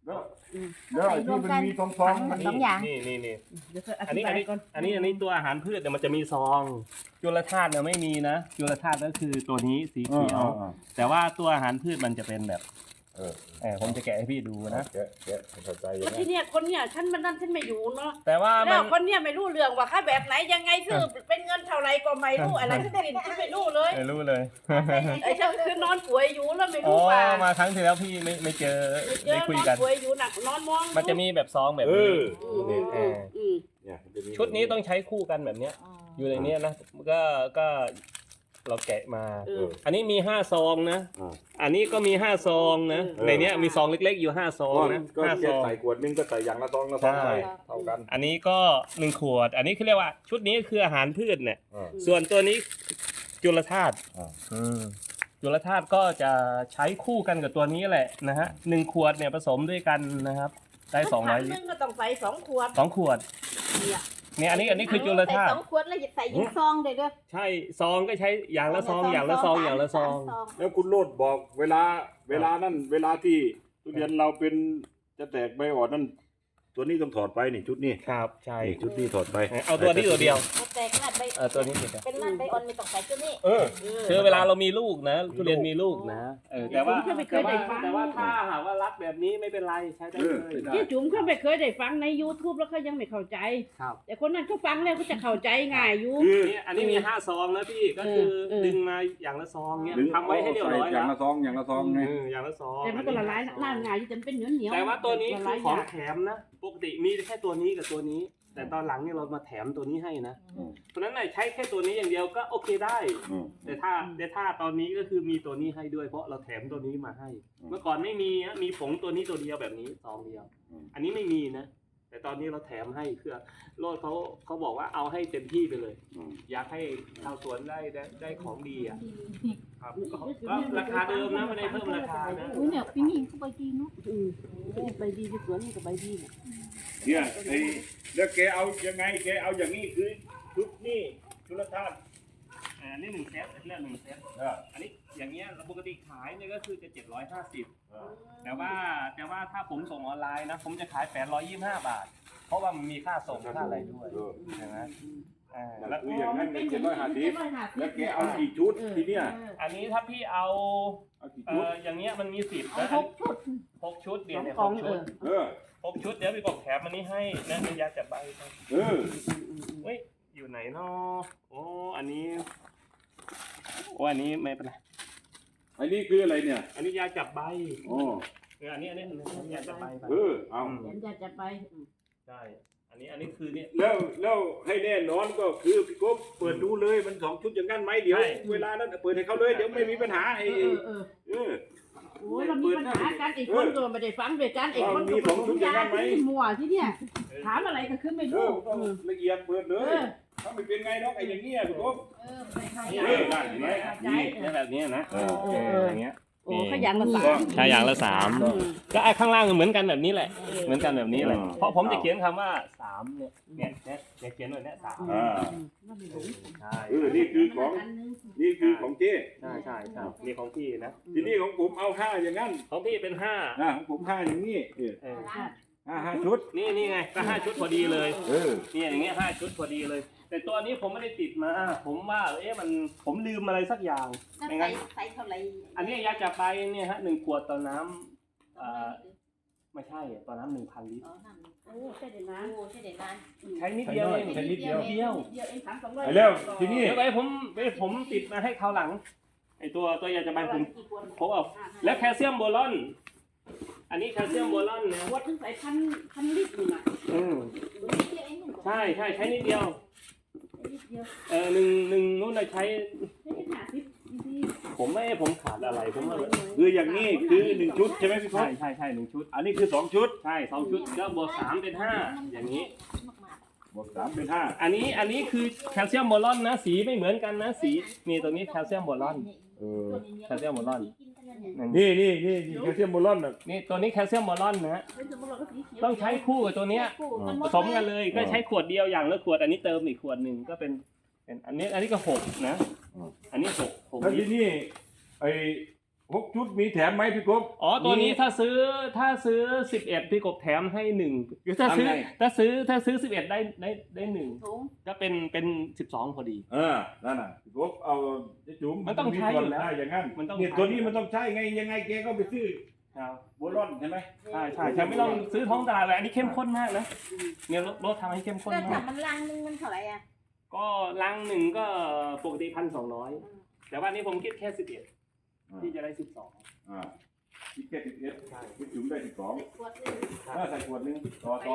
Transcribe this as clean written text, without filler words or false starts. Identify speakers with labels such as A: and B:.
A: แล้วที่มันมีซองๆมัน
B: สองอย่าง
C: นี่
D: เดี๋ยวค่อยอ
C: อัน
D: ธิ
C: นี้
D: บา
C: อัน
D: ย
C: นี้
D: ก่อน
C: อันนี้ตัวอาหารพืชเนี่ยมันจะมีซองจุลธาตุเนี่ยไม่มีนะจุลธาตุก็คือตัวนี้สีเขียว แต่ว่าตัวอาหารพืชมันจะเป็นแบบผมจะแกะให้พี่ดูนะ
A: แกะเข้าใจอ
D: แล้
A: ย่าว ง
D: ที่
A: นั้น
D: เนี่ยคนเนี่ยฉันมันนั่นฉันไม่อยู่เนาะ
C: แต่ว่ามั
D: แล้
C: น
D: วคนเนี่ยไม่รู้เรื่องว่าค่าแบบไหนยังไงซื้อเป็นเงินเท่าไรก็ไม่รู้อะไรทั้งสิ้นฉันไม่รู้เลย
C: ไม่รู้เลย
D: ไอ้ฉันคือนอนป่วยอยู่แล้วไม่
C: อ๋อ
D: รู้ว่า
C: มาครั้งที่แล้วพี่ไม่เจอ
D: เจ
C: ได้
D: อ
C: คุย
D: นอน
C: กัน
D: ป่วยอยู่หนักนอนมอง
C: มันจะมีแบบซองแบบ
A: เอ
C: นี้
A: อนี่
D: อืม
A: เนี่ยมันจะมี
C: ชุดนี้ต้องใช้คู่กันแบบเนี้ย อยู่ในเนี้ยนะก็เราแกะมา อันนี้มี5ซองนะ อันนี้ก็มี5ซองนะในเนี้ยมีซองเล็กๆอยู่5ซองนะ
A: ก็
C: 5
A: แค่
C: ซอง
A: ใส่ขวดนึงก็ใส่อย่างละซองละซองใส่เท่ากัน
C: อันนี้ก็1ขวด อันนี้คือเรียกว่าชุดนี้คืออาหารพืชเนี่ย ส่วนตัวนี้จุลธาตุจุลธาตุก็จะใช้คู่กันกับตัวนี้แหละนะฮะ1ขวดเนี่ยผสมด้วยกันนะครับได้200 ลิ
D: นึ
C: ต
D: งก็ต้องใส่2 ขวด
C: ร2ขวดเนี่ยอันนี้คือจุลธาตุ
B: ใส่2 ขวดแล้วใส่ยิงซองเลยเด้อ
C: ใช่ซองก็ใช้อย่างละซองอย่างละซองอย่างละซอง
A: แล้วคุณโรดบอกเวลานั่นเวลาที่ทุเรียนเราเป็นจะแตกใบอ่อนนั่นตัวนี้ต้องถอดไปนี่ชุดนี้
C: ครับใช่
A: นี่ชุดนี้ถอดไป
C: เอาตัวนี้ตัวเดียว
B: แต่ขนาดใบ
C: ตัวนี้ตัวเดียว
B: เป็นนั่นใบอ่อนไม่ต้องใส่ตัวนี้
C: คือเวลาเรามีลูกนะทุเรียนมีลูกนะแต่ว่า
D: ผมก็ไม่เคยได้ฟัง
C: แต่ว่าถ้าหากว่ารัดแบบนี้ไม่เป็นไรใช้ได้เลย
D: ที่จุ๋มเขาไม่เคยได้ฟังใน YouTube แล้วเขายังไม่เข้าใจ
C: ครับ
D: แต่คนนั้นเขาฟังแล้วเขาจะเข้าใจง่ายอยู่
A: คือ
C: อันนี้มี5ซองนะพี่ก็คือดึงมาอย่างละซองเนี้ยทำไว้ให้เรียบร้อย
A: อ
C: แล้
A: ย่าง
C: ว
A: ละซองอย่างละซองไง
C: อย่างละซอง
D: แต่มันก็ละลายน้ำง่ายอยู่จนเป็นเหนียวๆ
C: แต่ว่าตัวนี้
D: ละ
C: คื
D: ลา
C: อย ของ
D: ยาก
C: แถมนะปกติมีแค่ตัวนี้กับตัวนี้ แต่ตอนหลังเนี่ยเรามาแถมตัวนี้ให้นะเพราะฉะนั้นใช้แค่ตัวนี้อย่างเดียวก็โอเคได้ แต่ถ้าตอนนี้ก็คือมีตัวนี้ให้ด้วยเพราะเราแถมตัวนี้มาให้ เมื่อก่อนไม่มีนะมีผงตัวนี้ตัวเดียวแบบนี้ซองเดียว อันนี้ไม่มีนะ แต่ตอนนี้เราแถมให้คือโลดเขาบอกว่าเอาให้เต็มที่ไปเลย อยากให้ชาวสวนได้ของดีอ่ะครับก็ราคาเดิมนะไม่ได้เพิ่มราคานะ
B: อุ้ยเนี่ยปีนี้ก็ใบดีเนาะ
D: ใบดีที่สวนนี่ก็ใบดีเนี่ย
A: เนี่ยไอ้แล้วแกเอายังไงแกเอาอย่างนี้คือชุดนี้ชุลธาตุ
C: อันนี้1 เซตเรื่อง1 เซตอันนี้อย่างเงี้ยปกติขายเนี่ยก็คือจะ750แต่ว่าถ้าผมส่งออนไลน์นะผมจะขาย825 บาท เพราะว่ามันมีค่าส่งค่าอะไรด้วยใช่ไหม
A: แล้วคืออย่างนั้นเป็น750แล้วแกเอากี่ชุดทีเนี้ย
C: อันนี้ถ้าพี่เอา
A: กี่ชุด
C: อย่างเงี้ยมันมี10
B: เอา
C: นะ
B: 6 ชุด
C: 6 ชุดเดี๋ยวเนี่ย
D: ของ
C: 6 ชุด 6 ชุดเดี๋ยวพี่บอกแถมอันนี้ให้นะเป็นยาจับใบครับเฮ้ยอยู่ไหนเนาะโอ้อันนี้อันนี้ไม่เป็นไร
A: อันนี้คืออะไรเนี่ย
C: อันนี้ยาจับใบ
A: อ๋อ
C: อันนี้ยาจับใบ
A: เอา
D: เดี๋ยวจะไป
C: ใช่อันนี้คือเนี่ย
A: แล้วให้แน่นอนก็คือพี่กบเปิดดูเลยมัน2 ชุดอย่างนั้นไหมเดี๋ยวเวลานั้นเปิดให้เขาเลยเดี๋ยวไม่มีปัญหาไอ้
D: โอ้ยเรามีปัญหากันอีกคนก็ไม่ได้ฟังด้วยกันอีกคนก็ผมยาที่มั่วที่เนี่ยถามอะไรก็ขึ้นไม่รู้
A: ต้องละเอียดเปิดเลยถ้าไม่เป็นไงน้องไอ้อย่างเงี้ยพี่กบ
C: ได้เห็นไหมนี่แบบนี้นะอย่างเงี้ย
D: โอ้ขยันละสาม
C: ใช่อย่างละ3ก็ไอ้ข้างล่างเหมือนกันแบบนี้แหละเหมือนกันแบบนี้แหละเพราะผมจะเขียนคำว่า3เนี่ยเขียนหน่อยเนี่ย3ใช่
A: นี่คือของเจ้
C: ใช่นี่ของพี่นะ
A: ทีนี้ของผมเอา5อย่างนั้น
C: ของพี่เป็น5
A: ของผม5อย่างนี้5ชุด
C: นี่ไงก็5 ชุดพอดีเลย
A: นี่
C: อย่างเงี้ย5 ชุดพอดีเลย แต่ตัวนี้ผมไม่ได้ติดมาผมว่าผมลืมอะไรสักอย่างไม่งั้น
B: ใส่เท่าไหร่
C: อันนี้ยาจับใบเนี่ยฮะ1 ขวดต่อน้ำไม่ใช่ต่อน้ำ 1,000 ลิตร
D: โอ้ใช่เดี๋ยวนะ
B: โอ้ใช่เด็ดนาน
C: ใช้นิดเดียวเอง
A: ใช้นิดเดียว
D: เดียวเอง300
A: แล้วทีนี้
C: เดี๋ยวไปผมติดมาให้เขาวหลังไอตัวยาจับใบผมเอาแล้วแคลเซียมโบรอนอันนี้แคลเซียมโบรอนนะ
D: วัดถึงใส่พันลิตรนี่นะ
C: ใช่ใช้นิดเดียวหนึ่งนู้นเราใช้ผมขาดอะไรผมว่า
A: คืออย่างนี้คือ1ชุดใช่ไหมพี่กบ
C: ใช่1 ชุด
A: อันนี้คือ2ชุด
C: ใช่2 ชุดก็บวก3เป็น5อย่างนี้
A: บวก3เป็น5
C: อันนี้คือแคลเซียมโบรอนนะสีไม่เหมือนกันนะสีนี่ตัวนี้แคลเซียมโบรอนแคลเซียมโบรอน
A: นี่แคลเซียมโบรอนน่ะ
C: นี่ตัวนี้แคลเซียมโบรอนนะฮะต้องใช้คู่กับตัวเนี้ยผสมกันเลยก็ใช้ขวดเดียวอย่างละขวดอันนี้เติมอีกขวดหนึ่งก็เป็นอันนี้ก็6นะอันนี้6
A: แล้วทีนี้ไอ้ 6 ชุดมีแถมไหมพี่กบ
C: อ๋อตัวนี้ถ้าซื้อ11พี่กบแถมให้1ถ้าซื้อ
A: ทำไง
C: ถ้าซื้อ11ได้1
B: ถุง
C: ก็เป็น12พอดี
A: นั่นน่ะพี่กบเอาเจ๊จุ๋ม
C: มันต้องใช้อยู่แล้ว
A: ได้อย่างนั้น
C: มันต้อง
A: เนี่ย
C: ใช้
A: ตัวนี้มันต้องใช้ไงยังไงแกก็ไปซื้อ
C: ครับ
A: โบลอนใช่ไหม
C: ใช่ไม่ต้องซื้อท้องตลาดเลยอันนี้เข้มข้นมากนะเนี่ยรสทำให้เข้มข้น
B: แล้ว
C: มา
B: ถ้าก มันลังนึงมันเท่าไหร่อ่ะ
C: ก็ลังหนึ่งก็ปกติ1,200แต่ว่านี้ผมคิดแค่11ที่จะได้12
A: คิดแค่11พี่จุ๋มได้12
B: ขวดนึง
A: ใส่ขวดนึงต่อ